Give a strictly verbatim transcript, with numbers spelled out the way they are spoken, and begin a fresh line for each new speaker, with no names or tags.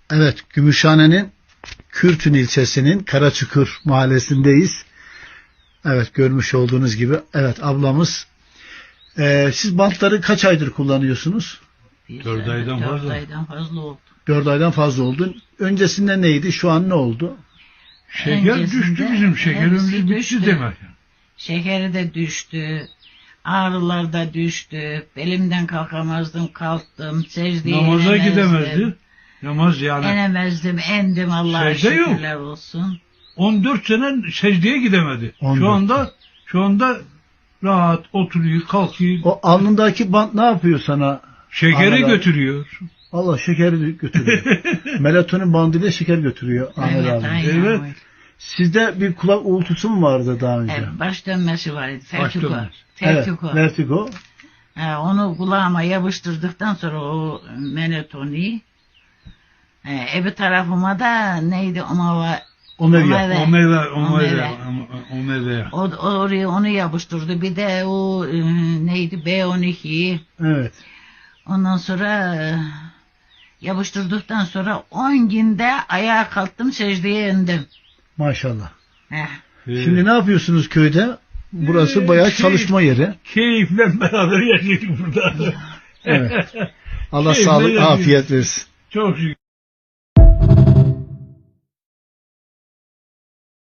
Evet, Gümüşhane'nin Kürtün ilçesinin Karaçukur mahallesindeyiz. Evet, görmüş olduğunuz gibi. Evet, ablamız. Ee, siz bantları kaç aydır kullanıyorsunuz?
Dört aydan
Dört
fazla.
aydan fazla oldu.
Dört aydan fazla oldu. Öncesinde neydi? Şu an ne oldu?
Şeker
Öncesinde
düştü bizim şekerimiz
hepsi
bitti
düştü.
demek.
Şekeri de düştü. Ağrılar da düştü. Belimden kalkamazdım, kalktım. Secdeye
Namaza
inemezdim.
gidemezdi. Namaz yani.
Enemezdim, endim Allah'a
Secde yok.
şükürler olsun.
on dört sene secdeye gidemedi.
on dört.
Şu anda şu anda rahat oturuyor, kalkıyor.
O alnındaki bant ne yapıyor sana?
Şekeri
Ahmet abi?
götürüyor.
Allah şekeri götürüyor. Melatonin bandıyla şeker götürüyor Ahmet
Evet,
abi.
aynen
Evet.
öyle.
Sizde bir kulak uğultusu mu vardı daha önce?
Evet, baş dönmesi var idi. Fertiko.
dönmesi.
Fertiko.
Evet, vertigo.
Ha, onu kulağıma yapıştırdıktan sonra o menotoni e, öbür tarafıma da neydi omava
Omega.
Omega.
O meyve, o
Omega.
meyve, o meyve.
o, oraya onu yapıştırdı. Bir de o e, neydi B on iki.
Evet.
Ondan sonra e, yapıştırdıktan sonra on günde ayağa kalktım, secdeye indim.
Maşallah.
Heh.
Şimdi ne yapıyorsunuz köyde? Burası
Ee,
bayağı
şey-
çalışma yeri.
Keyifle beraber yaşıyoruz burada.
Evet. Allah
Keyifle
sağlık,
yaşıyoruz.
afiyet versin.
Çok şükür.